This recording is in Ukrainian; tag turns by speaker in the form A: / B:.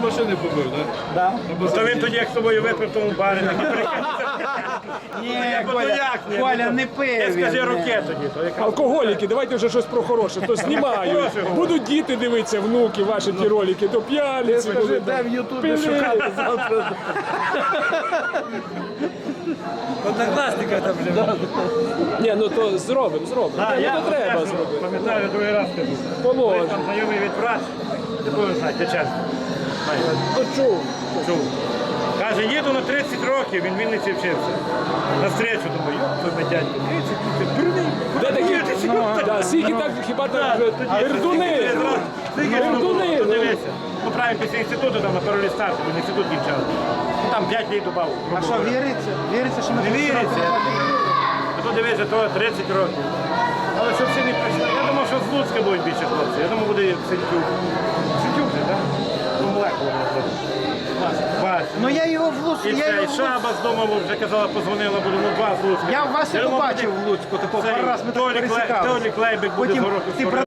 A: машини побив, так?
B: Да.
C: То він тоді як з тобою випив в тому барі.
B: Ні,
C: Ну,
B: Коля,
C: як ні?
B: Коля не пив.
C: Я скажи
B: він,
C: руке тоді. То якраз.
D: Алкоголіки, давайте вже щось про хороше, то знімають.
C: Хороше говорю.
D: Будуть діти дивитися, внуки, ваші ті ролики, то п'яниці.
A: Скажи,
D: будуть,
A: де в Ютубі
D: пили.
A: шукати завтра.
B: Однокласника там вже.
D: Ні, ну то зробимо.
C: Так,
D: Ну,
C: я
D: то треба
C: теж
D: зробити.
C: пам'ятаю, другий раз кажу.
D: Положено.
C: Колись там знайомий від праці, не буду знати, ти чесно.
D: Ну чув.
C: Чув. Каже, їду на 30 років, він в Вінниці вчився. На встречу, думаю, йоп, дядько, 30, ти дурний.
D: Де такі?
C: Ну,
D: Да, скільки так, хіба так вже пердуни. Пердуни.
C: Подивися. Ну, правильно, після інституту, там на паролі старту, він інститут кінчав. Ну, там 5 літ добав.
B: А що, віриться? Віриться, що ми
C: Не віриться. А то дивися, то 30 років. Але щоб всі не прийшли. Я думав, що з Луцька будуть більше хлопців. Я думав, буде Сентюк. Сентюк же, так? Ну, молекула буде. Вася.
B: Ну я його в Луцьку,
C: І
B: я
C: це,
B: його
C: і
B: в Луцьку.
C: Шаба з дому вже казала, позвонила, буду, ну, два з Луцька.
B: Я Васю
C: думав,
B: побачив в Луцьку, такого
C: цей
B: пару раз ми так
C: Толік
B: пересікалися.
C: Лейбик буде
B: Потім
C: з гороху
B: ти
C: скоро.